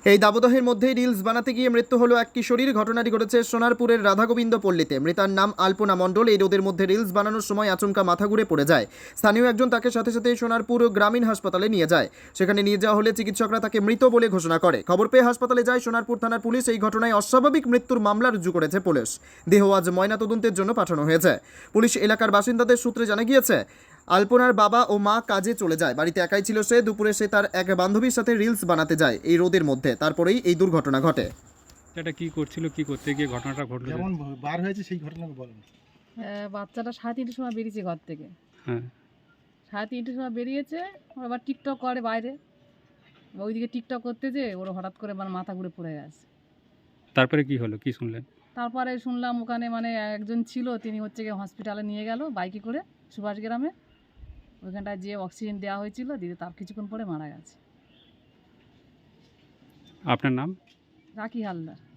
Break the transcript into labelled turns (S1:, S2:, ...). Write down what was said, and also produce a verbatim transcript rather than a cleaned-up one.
S1: এই দাবদাহের মধ্যেই রিলস বানাতে গিয়ে মৃত্যু হলো এক কিশোরীর। ঘটনাটি ঘটেছে সোনারপুরের রাধাগোবিন্দ পল্লীতে। মৃতার নাম আলপনা মণ্ডল। এই রোদের মধ্যে রিলস বানানোর সময় আচমকা মাথা ঘুরে পড়ে যায়। স্থানীয় একজন তাকে সাথে সাথে সোনারপুর গ্রামীণ হাসপাতালে নিয়ে যায়। সেখানে নিয়ে যাওয়া হলে চিকিৎসকরা তাকে মৃত বলে ঘোষণা করে। খবর পেয়ে হাসপাতালে যায় সোনারপুর থানার পুলিশ। এই ঘটনায় অস্বাভাবিক মৃত্যুর মামলা রুজু করেছে পুলিশ। দেহ আজ ময়নাতদন্তের জন্য পাঠানো হয়েছে। পুলিশ এলাকার বাসিন্দাদের সূত্রে জানা গিয়েছে, আলপনার বাবা ও মা কাজে চলে যায়। বাড়িতে একাই ছিল সে। দুপুরে সে তার এক বান্ধবীর সাথে রিলস বানাতে যায় এই রোদের মধ্যে। তারপরেই এই দুর্ঘটনা ঘটে।
S2: এটা কি করছিল, কি করতে গিয়ে ঘটনাটা ঘটলো?
S3: যেমন বার হয়েছে সেই ঘটনাকে বলেন।
S4: হ্যাঁ, বাচ্চাটা সাড়ে তিনটের সময় বেরিয়েছে ঘর থেকে।
S2: হ্যাঁ,
S4: সাড়ে তিনটের সময় বেরিয়েছে, ও আবার টিকটক করে বাইরে। ওইদিকে টিকটক করতে যে ওর হঠাৎ করে মানে মাথা ঘুরে পড়ে গেছে।
S2: তারপরে কি হলো, কি শুনলেন?
S4: তারপরে শুনলাম ওখানে মানে একজন ছিল, তিনি হচ্ছে গিয়ে হসপিটালে নিয়ে গেল বাইকে করে সুভাষ গ্রামে। ওইখানটায় যে অক্সিজেন দেওয়া হয়েছিল, দিদি তার কিছুক্ষণ পরে মারা গেছে।
S2: আপনার নাম?
S4: রাখি হালদার।